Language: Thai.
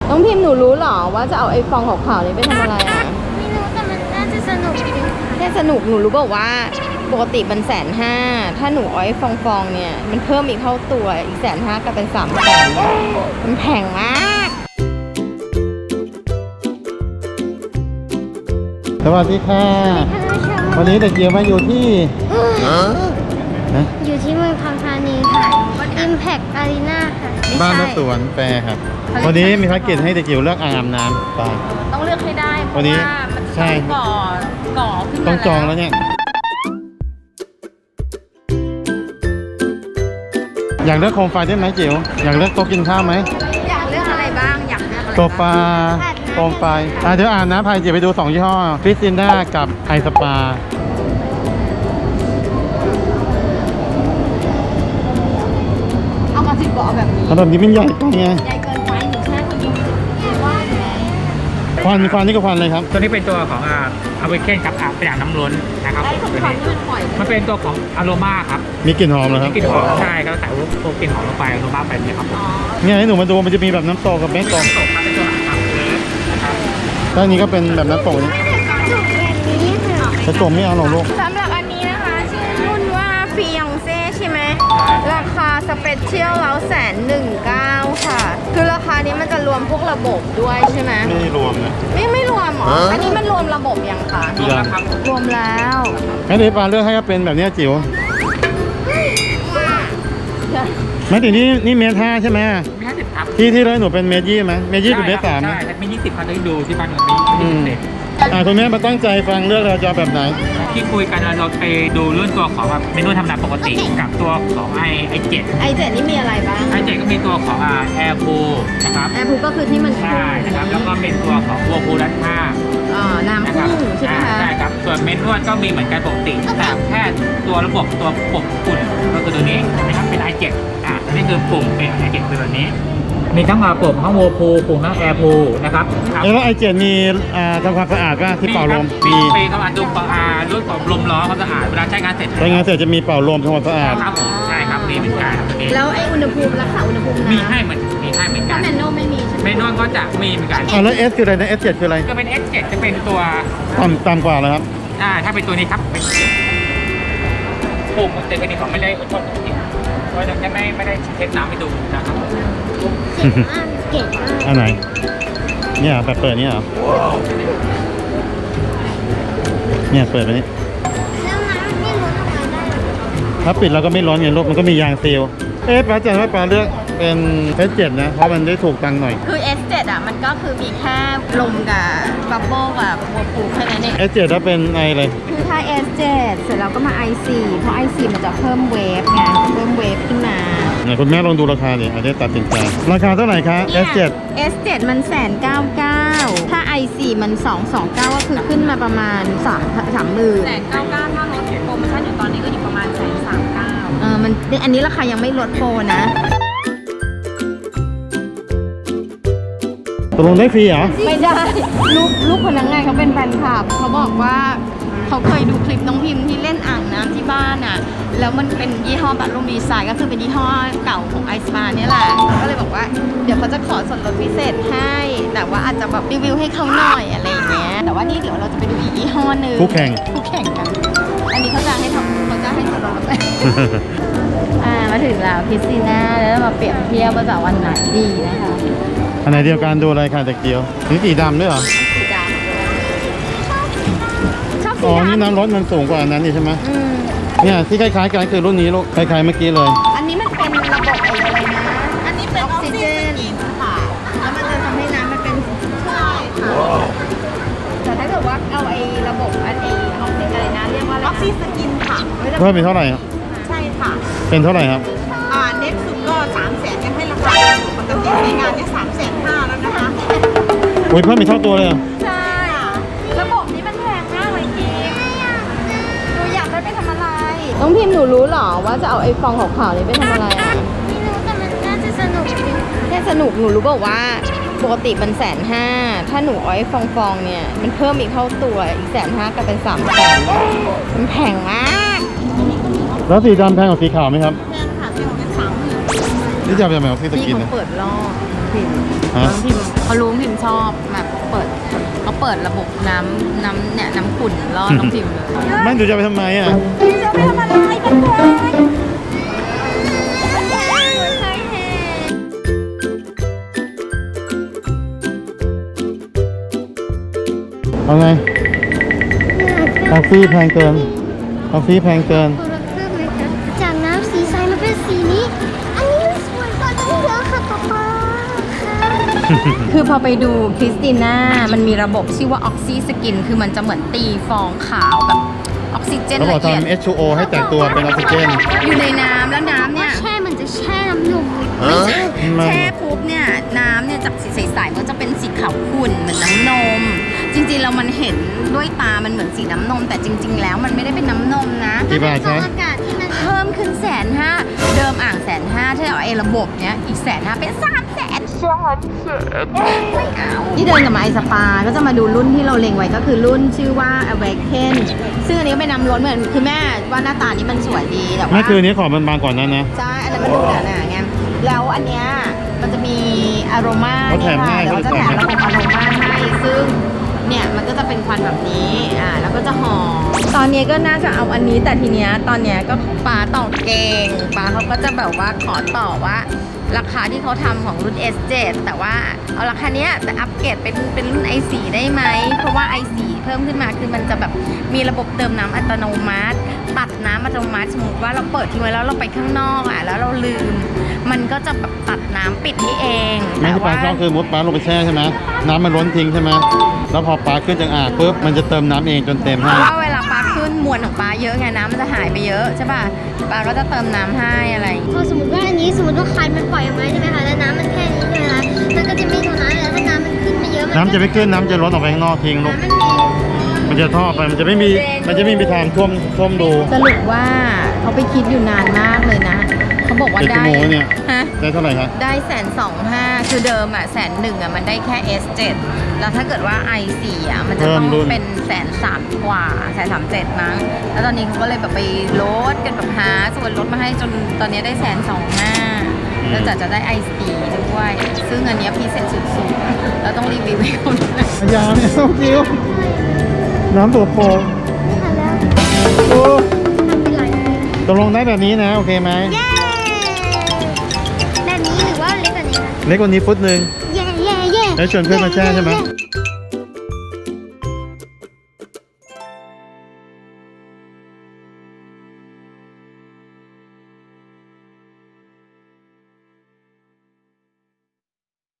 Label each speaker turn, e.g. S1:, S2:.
S1: น้องพิมพ์หนูรู้หรอว่าจะเอาไอ้ฟองขาวๆนี้ไปทำอะไรอ่ะ
S2: ไม่รู้แต่มันน่าจะสนุกดีค่ะ
S1: แค่สนุกหนูรู้บอกว่าปกติมัน150,000ถ้าหนูเอาไอ้ฟองๆเนี่ยมันเพิ่มอีกเท่าตัวอีก150,000ก็เป็น300,000มันแพงมาก
S3: สวัสดีค่ะวันนี้เด็กเกียวมาอยู่ที่
S2: อยู่ที่เมืองทองธานีค่ะ Impact Arena ค่ะ
S3: บ้านและสวนแฟร์ครับวันนี้มีภารกิจให้เด็กเกียวเลือกอ่างอาบน้ำไป
S1: ต้องเลือกให้ได้เพ
S3: วัน
S1: ราะ
S3: นี้
S1: ว่ามัน
S3: ใช่
S1: ก่อขึ้นมา
S3: ต้องจองแล้วเนี่ยอยากเลือกโคมไฟได้ไหมจิ๋วอยากเลือกโต๊ะกินข้าวไหม
S1: อยากเลือกอะไรบ้างอยากเลือกอะไร
S3: โซฟาโคมไฟเดี๋ยวอ่านนะพายจิ๋วไปดู2ยี่ห้อฟิสซินด้ากับไอสปา
S1: เอามา10 เบาะแบบนี้
S3: แบบนี้มันใหญ่ไปไง
S1: ใหญ่เกินไปหนูแค่คนเดียวว่าไง
S3: ควันนี่ก็ควันเลยครับ
S4: ตัวนี้เป็นตัวของอาเวเคนครับเป็นอ่างน้ำล้นนะครับตัวนี้มันเป็นตัวของอโรมาครับ
S3: มีกลิ่นหอมเหรอครับ
S4: กลิ่นหอมใช่ครับใส่ตัวกลิ่นหอมลงไปอโรมาไปเนี่ยครับ
S3: เนี่ยให้หนูมาดูมันจะมีแบบน้ำตกกับไม่ตก
S4: ตกครับเป็นตัวอ่างนะครับ
S3: ถ้านี้ก็เป็นแบบน้ำตกนี่จะตกไม่เอาหรอกลูก
S1: สำหรับอันนี้นะคะชื่อรุ่นว่าฟิยองเซ่ใช่ไหมราคาสเปเชียลแล้ว119,000ค่ะคือราคานี้มันจะรวมพวกระบบด้วยใช่ไหม
S3: ไม่รวมนะ
S1: ไม่รวมหรออันนี้มันรวมระบบยังคะ
S4: รวมแล้วครับ
S1: รวมแล้ว
S3: งั้นเดี๋ยวปาเลือกให้ก็เป็นแบบนี้จิ๋วไม่ถึงนี่เมตร5ใช่ไหม
S4: มี50ครับ
S3: ที่เลยหนูเป็นเมตร20ไหมเมตร20หรือเมตร3
S4: ใช่มี20ครับที่ดูที่บ้านเรามี
S3: คุณแม่มาตั้งใจฟังเลือกเราจะแบบไหน
S4: ที่คุยกันเราไปดูเรื่องตัวของเมนูธรรมดาปกติกับตัวของi7
S1: นี่มีอะไรบ้าง
S4: i7 ก็มีตัวของแอร์พูนะครับ
S1: แอร์พูก็คือที่มัน
S4: ใช่นะครับแล้วก็เป็นตัวของวัวพูรัดผ้า
S1: น้ำพุ่งใช่ไหมคะ
S4: ใช่ครับส่วนเมนนวดก็มีเหมือนกันปกติแต่แค่ตัวระบบตัวปุ่มฝุ่นก็คือตัวนี้นะครับเป็น i7 นี่คือปุ่มเป็น i7 คือแบบนี้มีทั้งปุ่มทั้งวัวพูปุ่มทั้งแอร์พูนะครับ
S3: แล้วi7มีทำความสะอาดป่ะที่เป่าลม
S4: มีทำการดูรุ่นของลมล้อความสะอาดเวลาใช้งานเสร็จ
S3: จะมีเป่าลมทำความสะอาด
S4: ครับใช่ครับมีเหมือนกัน
S1: แล้วไอ้อุณหภูมิรักษาอุณหภูมิ
S4: มีให้เหมือนกันถ้า
S1: แมนนวลไม่มีใช่ไหม
S4: แมนนวลก็จะมีเหมือนกัน
S3: แล้ว S คืออะไรนะ S7 คืออะไร
S4: ก็เป็น S7 จะเป็นตัว
S3: ต่ำกว่าแล้วครับ
S4: ถ้าเป็นตัวนี้ครับปุ่มมันเต็มกันนี่ผมไม่ได้ชอบจริงเพราะจะไม่ได้เทสน้ำให้ดูนะครับ
S2: เก่งมาก
S3: อันไหนเนี่ยแบบเปิดเนี่ยเหรอเนี่ยเปิดไปนี่
S2: แล้วน้ำไม่รู้ทำไมได้
S3: ถ้าปิดเราก็ไม่ร้อนไงลูกมันก็มียางซีลป้าจันว่าป้าเลือกเป็น S7 นะเพราะมันได้ถูกตังค์หน่อย
S1: คือ S7 มันก็คือมีแค่ลมกับบับเบิ้ลกับวัวปูแค่นั้นเอง
S3: S7 ถ้าเป็นไอเลย
S1: คือถ้า S7 เสร็จแล้วก็มา i4 เพราะ i4 มันจะเพิ่มเวฟไงเพิ่มเวฟขึ้นมา
S3: คุณแม่ลองดูราคาดิอาจจะตัดสินใจราคาเท่าไหร่คะ
S1: S7 มัน199,000ถ้า i4 มัน229ก็คือขึ้นมาประมาณ30,000
S5: 199ถ้าลดโปรโมชั่นอยู่ตอนนี้ก็อยู่ประมาณ139,000
S1: มันอันนี้ราคายังไม่ลดโปรนะ
S3: ตกลงได้ฟรีเหรอ
S1: ไม่ได้ลูกพนักงานเขาเป็นแฟนคลับเขาบอกว่าเขาเคยดูคลิปน้องพิมพ์ที่เล่นอ่างน้ำที่บ้านอ่ะแล้วมันเป็นยี่ห้อบัตรลูมดีไซน์ก็คือเป็นยี่ห้อเก่าของไอสปาเนี่ยแหละก็เลยบอกว่าเดี๋ยวเขาจะขอส่วนลดพิเศษให้แต่ว่าอาจจะแบบรีวิวให้เขาหน่อยอะไรอย่างเงี้ยแต่ว่านี่เดี๋ยวเราจะไปดูอีกยี่ห้อนึง
S3: คู่แข่ง
S1: กันอันนี้เขาจะให้ส่วนลดมาถึงแล้วพิซซี่น่าแล้วมาเปรียบเทียบว่าจะวันไหนดีนะคะ
S3: อันไหนเดียวกันดูอะไรค่ะตะเกียวนี่สีดำด้วยเหรอ
S1: สีดำชอบสีดำ
S3: อ๋อนี่น้ำรถมันสูงกว่านั้นนี่ใช่ไหมเนี่ยที่คล้ายๆกันคือรุ่นนี้ลูกคล้ายๆเมื่อกี้เลย
S1: อันนี้มันเป็นระบบอะไรนะอันนี้เป็นออกซิเจนค่ะแล้วมันจะทำให้น้ำมันเป็นใช่ค่ะแต่ถ้าเกิดว่าเอาไอ้ระบบออกซิเจนอะไรนะเรียกว่าอะไรออกซิสกินค่ะ
S3: เพิ่มเป็นเท่าไหร่ครับ
S1: ใช่ค่ะ
S3: เป็นเท่าไหร่ครับ
S5: เน็ตสุดก็300,000ยังให้ราคาปกติในงานที่350,000แล้วนะคะ
S3: โอ้ยเพิ่มเป็นเท่าตัวเลย
S1: ใช่ระบบนี้มันแพงมากเลยพิมหนูอยากได้ไปทำอะไรน้องพิมหนูรู้หรอว่าจะเอาไอ้ฟองขาวๆนี้ไปทำอะไรอ่ะ
S2: ไม่รู้แต่มันน่าจะสนุกดีค่ะ
S1: แค่สนุกหนูรู้บอกว่าปกติมัน150,000ถ้าหนูเอาไอ้ฟองๆเนี่ยมันเพิ่มอีกเท่าตัวอีก150,000ก็เป็น300,000มันแพงมาก
S3: แล้วสีดำแพงกว่าสีขาวไหมครับ
S5: แพงค่ะสีของเป็น30,000
S3: นี่จะเป็นแบบที่ตะกินนะ
S1: เปิดรอบพิม
S3: ฮะ
S1: น้องพิมเขารู้พิมชอบแบบเขาเปิดระบบน้ำขุ่นล่อน้องพิมเลย
S3: มันดูจะไปทำไมอ่ะ
S1: จะไปทำอะไรกันเลย
S3: เอาไงคาฟี่แพงเกินคาฟี่แพงเกิน
S2: คนละครึ่งเลยค่ะจากน้ำสีใสมาเป็นสีนี้ อันนี้มันสวยกว่าตั้งเยอะค่ะป๊าป๊าค่ะ
S1: คือพอไปดูคริสติน่ามันมีระบบชื่อว่าออกซิสกินคือมันจะเหมือนตีฟองขาวแบบออกซิเจน
S3: เขาบอ
S1: ละ
S3: ก
S1: เอียด
S3: ทำ H2O ให้แตกตัวเป็นออกซิเจน
S1: อยู่ในน้ำแล้วน้ำเนี่ย
S2: แช่มันจะแช่น้ำนมเลย
S1: ไม่ใช่
S3: มัน
S1: แช่ปุ๊บเนี่ยน้ำเนี่ยจากสีใสๆมันจะเป็นสีขาวขุ่นเหมือนน้ำนม จริงๆเรามันเห็นด้วยตามันเหมือนสีน้ำนม แต่จริง ๆ แล้วมันไม่ได้เป็นน้ำนมนะ
S3: กี่บาท
S2: ฟอ
S3: ใช่
S2: งอากาศที่มัน
S1: เพิ่มขึ้น150,000เดิมอ่าง150,000ถ้าเอาไอ้ระบบเนี้ยอีก150,000เป็น300,000ไม่เอาที่เดินกับมาไอสปาก็จะมาดูรุ่นที่เราเล็งไว้ก็คือรุ่นชื่อว่า Awaken ซึ่งอันนี้เป็นน้ำล้นเหมือนคือแม่ว่าหน้าตานี้มันสวยดีแต่ว่า
S3: ไม่คืออนนี้ขอบมันบางกว่านั้นนะ
S1: ใช่ อันนั้นมันดูหนาๆไง แล้วอันเนี้ยมันจะมีอโรมา
S3: เขาแถมให้
S1: แล้วก็จะแถมระบบอโรมาให้ ซึ่งเนี่ยมันก็จะเป็นควันแบบนี้ แล้วก็จะหอม ตอนนี้ก็น่าจะเอาอันนี้ แต่ทีเนี้ยตอนเนี้ยก็ปาต่อเก่งปาเขาก็จะแบบว่าขอต่อว่า ราคาที่เขาทำของรุ่น S7 แต่ว่าเอาราคาเนี้ยแต่อัปเกรดเป็นรุ่น i4 ได้ไหม เพราะว่า i4 เพิ่มขึ้นมาคือมันจะแบบมีระบบเติมน้ำอัตโนมัติ ตัดน้ำอัตโนมัติสมมติว่าเราเปิดทิ้งไว้แล้วเราไปข้างนอกแล้วเราลืม มันก็จะแบบตัดน้ำปิดให้เอง
S3: ไม่ที่ปลาชอบคือมุดปลาลงไปแช่ใช่ไหมน้ำมันล้นทิ้งใช่ไหมแล้วพอปลาขึ้นจากอ่างปุ๊บมันจะเติมน้ำเองจนเต็ม
S1: เพ
S3: ให้
S1: ราะว่าเวลาปลาขึ้นมวลของปลาเยอะไงน้ำมันจะหายไปเยอะใช่ป่ะปลาก็จะเติมน้ำให้อะไรอย่างงี้
S2: พอสมมติว่าอันนี้สมมติว่าคันมันปล่อยออกมาใช่ไหมคะแล้วน้ำมันแค่นี้ใช่ไหมคะมันก็จะไม่โดนน้ำแล้วถ้าน้ำมันขึ้นมาเยอะ
S3: น้ำจะไม่ขึ้นน้ำจะล้นออกไปข้างนอกทิ้งลูก
S2: น้ำมันมี
S3: มันจะท่อไปมันจะไม่มีทางท่วมดู
S1: สรุปว่าเขาไปคิดอยู่นานมากเลยนะเขาบอกว่า
S3: เป็นชั่
S1: ได้
S3: วโมงเนี่ย
S1: ฮะ
S3: ได้เท่าไหร่ครับ
S1: ได้125,000คือเดิม101,000มันได้แค่ S7 แล้วถ้าเกิดว่า i4 มันจะต้องเป็น130,000 กว่า137,000มั้งแล้วตอนนี้เขาก็เลยแบบไปลดกันแบบหาส่วนลดมาให้จนตอนนี้ได้125,000แล้วจะได้ i4 ด้วย ซึ่งอันเนี้ยพิเศษสุดๆแล้วต้องรีวิวให้เขาด้วย
S3: ยาวเนี่ยส้มคิ้วน้ำตัวโปง
S2: ไม่ทันแล้ว
S3: โอ้
S2: ทำเป็นหลายปี
S3: ตกลงได้แบบนี้นะโอเคไหม
S2: เย้แบบนี้หรือว่าเล็กกว่านี้คะ
S3: เล็กกว่านี้ฟุตหนึ่ง
S2: เย้เย้เย้
S3: แล้วชวนเพื่อนมาแช่ใช่ไหม
S2: เย้